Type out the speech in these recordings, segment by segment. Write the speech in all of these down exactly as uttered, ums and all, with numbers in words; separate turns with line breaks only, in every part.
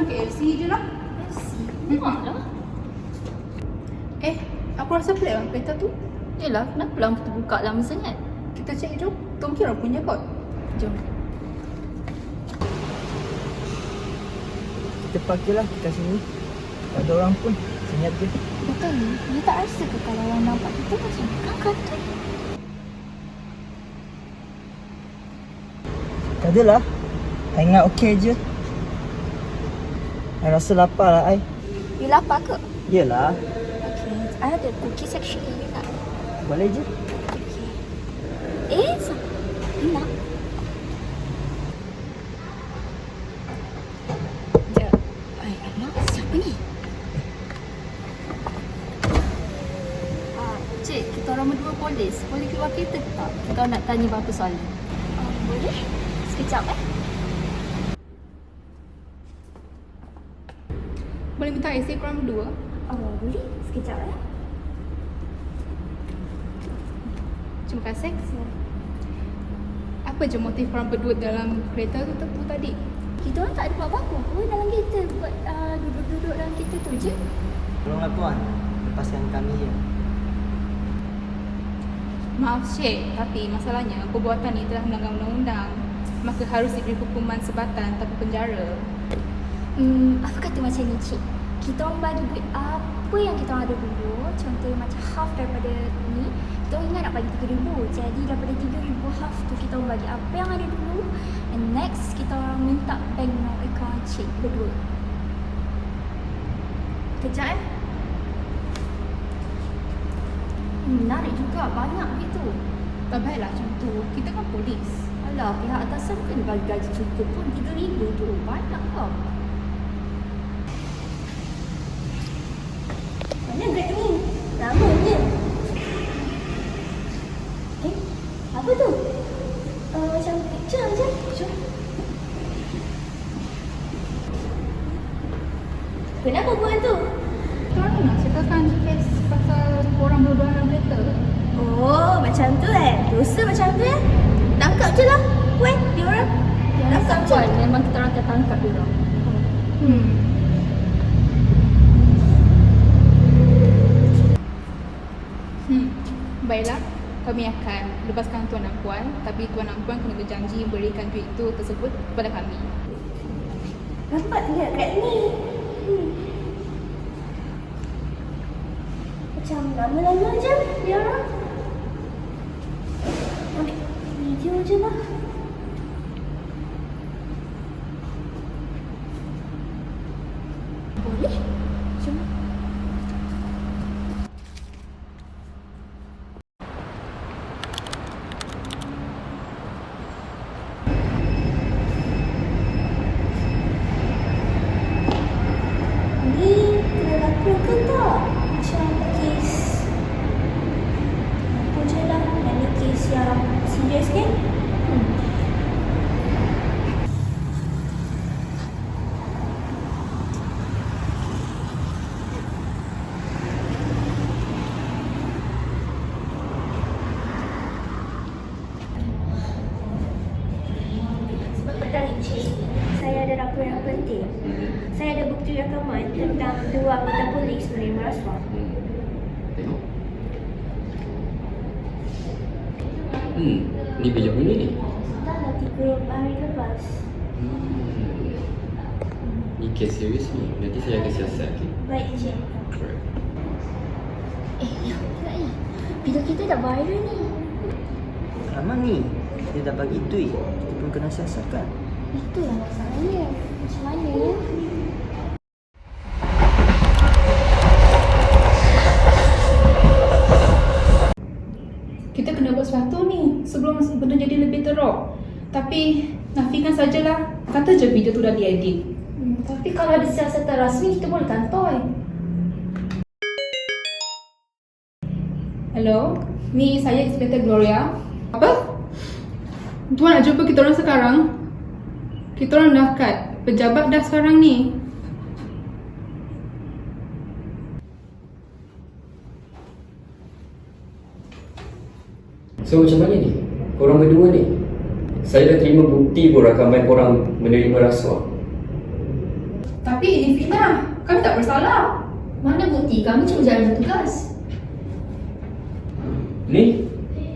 makan K F C je lah.
K F C? Muak lah.
Eh, aku rasa pelik lah kereta tu.
Yelah, kenapa lampu tu buka lama sangat?
Kita cek jom. Tu mungkin orang punya kot.
Jom.
Kita park je lah kat sini. Tak ada orang pun. Senyap je.
Betul ni, dia tak rasa ke kalau orang nampak kita macam kan kata?
Tak adalah. I ingat okey je. I rasa lapar lah I.
You lapar ke?
Yelah.
Okay, I ada cookie section ni tak?
Boleh je.
Okay. Eh, sa- enak. Sekejap. Ay, alamak, siapa ni? Ah, cik, kita orang berdua polis. Boleh keluar kereta ke tak? Kita nak tanya beberapa soalan. Uh, boleh? Sekejap eh.
Boleh minta I C korang berdua?
Oh, boleh? Sekejap eh.
Terima kasih. Apa je motif korang berdua dalam kereta tu, tu, tu tadi?
Kita orang tak ada buat apa-apa pun dalam kereta. Buat uh, duduk-duduk dalam kereta tu je.
Tolonglah tuan. Lepaskan kami je.
Maaf Syed, tapi masalahnya perbuatan ni telah melanggar undang-undang. Maka harus diberi hukuman sebatan tanpa penjara.
Hmm, apa kata macam ni cik? Kita orang bagi duit apa yang kita orang ada dulu. Contohnya macam half daripada ni. Kita orang ingat nak bagi tiga ribu. Jadi daripada tiga ribu half tu kita orang bagi apa yang ada dulu. And next kita orang minta bank note account cik berdua. Kejap eh. Hmm, menarik juga, banyak gitu.
Tak baiklah macam tu. Kita kan polis.
Alah, pihak atasan bukan bagi gaji cukup pun tiga ribu tu. Banyak kau. Mana grab ni? Lamanya. Eh, apa tu? Uh, macam picture je. Jom. Kenapa buat tu?
Korang nak ceritakan kes pasal korang berdua dalam kereta?
Oh, macam tu eh. Dosa macam tu eh. Tangkap je lah. Weh, dia orang. Tangkap je. Memang kita orang akan tangkap dia orang.
Hmm. Hmm. Baiklah, kami akan lepaskan tuan dan puan, tapi tuan dan puan kena berjanji memberikan duit itu tersebut kepada kami.
Nampak tidak kat ni? Hmm. Macam lama-lama je dia orang. Ambil video je lah. Boleh? Jom. Ni kena lakukan tak? Macam kes apa je lah. Dan ni kes yang serius kan? Hmm. Sebab petang ni cik, saya ada laporan penting. Saya ada bukti rakaman tentang dua anggota polis menerima rasuah.
Tengok. Hmm, ni bija bunyi ni.
Dah lah tiga hari lepas.
Hmm. Ni kes serius ni. Nanti saya akan siasat, okey?
Baik cik.
Alright.
Eh, ya, tak ya. Video kita dah viral ni.
Lama ni. Dia dah bagi duit. Kita pun kena siasatkan.
Itulah masalahnya. Macam mana ya?
Kita kena buat sesuatu ni sebelum benda jadi lebih teruk. Tapi nafikan sajalah. Kata je video tu dah diedit.
Hmm, tapi kalau ada siasatan rasmi, kita boleh kantoi.
Hello, ni saya Inspektor Gloria. Apa? Tuan nak jumpa kita orang sekarang? Kita orang dah kat pejabat dah sekarang ni.
So macam mana ni? Korang berdua ni? Saya dah terima bukti pun rakaman korang menerima rasuah.
Tapi ini fitnah. Kami tak bersalah.
Mana bukti? Kami cuma jalankan tugas.
Ni?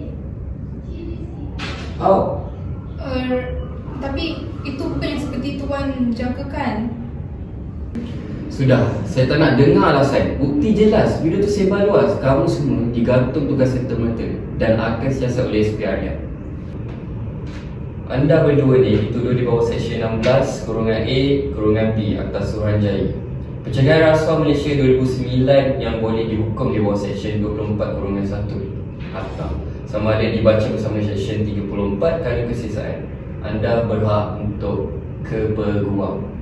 How?
Uh, tapi itu bukan yang seperti Tuan jangkakan.
Sudah, saya tak nak dengar alasan. Bukti jelas, video tu sebar luas. Kamu semua digantung tugas serta-merta dan akan siasat oleh S P R dia. Anda berdua ni dituduh di bawah Seksyen enam belas, kurungan A, kurungan B Akta Suruhanjaya. Pencegahan rasuah Malaysia dua ribu sembilan yang boleh dihukum di bawah Seksyen dua puluh empat kurungan satu Akta. Sama ada dibaca bersama Seksyen tiga puluh empat kerana kesisaan. Anda berhak untuk kepeguam.